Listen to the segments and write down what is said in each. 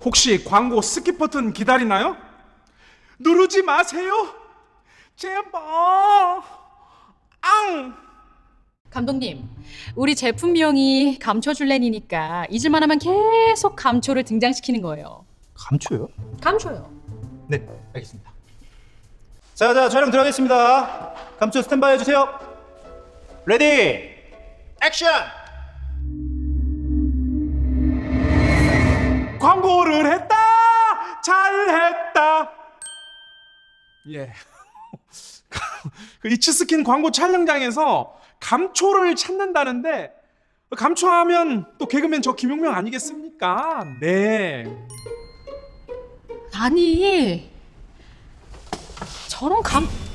혹시 광고 스킵 버튼 기다리나요? 누르지 마세요. 제발. 앙. 감독님, 우리 제품명이 감초줄렌이니까 잊을만 하면 계속 감초를 등장시키는 거예요. 감초요? 감초요. 네, 알겠습니다. 자, 촬영 들어가겠습니다. 감초 스탠바이 해주세요. 레디, 액션! 광고를 했다. 잘했다. 예. 그 이츠스킨 광고 촬영장에서 감초를 찾는다는데, 감초하면 또 개그맨 저 김용명 아니겠습니까? 네. 아니, 저런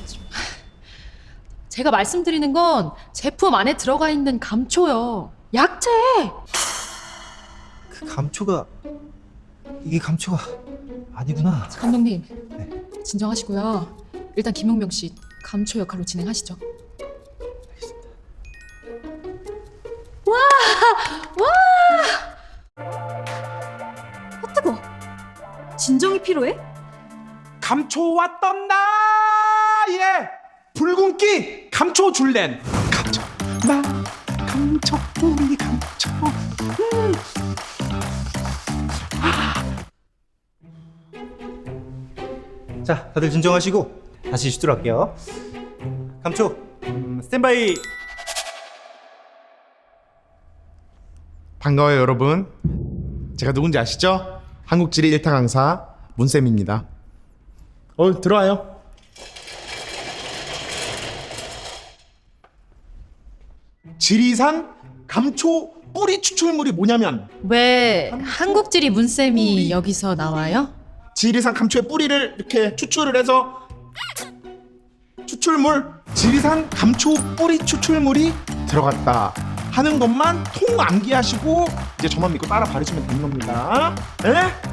제가 말씀드리는 건 제품 안에 들어가 있는 감초요. 약재. 그 감초가 이게 감초가 아니구나. 감독님, 진정하시고요. 일단 김용명 씨 감초 역할로 진행하시죠. 뜨거. 진정이 필요해? 감초 왔던 나의 붉은기 감초 줄렌. 감초 나 감초 우리 감초. 자, 다들 진정하시고 다시 슈트로 할게요. 감초, 스탠바이. 반가워요 여러분. 제가 누군지 아시죠? 한국지리 1타 강사 문쌤입니다. 들어와요. 지리산 감초 뿌리 추출물이 뭐냐면 왜 한국지리 문쌤이 여기서 나와요? 지리산 감초의 뿌리를 이렇게 추출을 해서 추출물 지리산 감초 뿌리 추출물이 들어갔다 하는 것만 통 암기하시고 이제 저만 믿고 따라 바르시면 되는 겁니다. 에?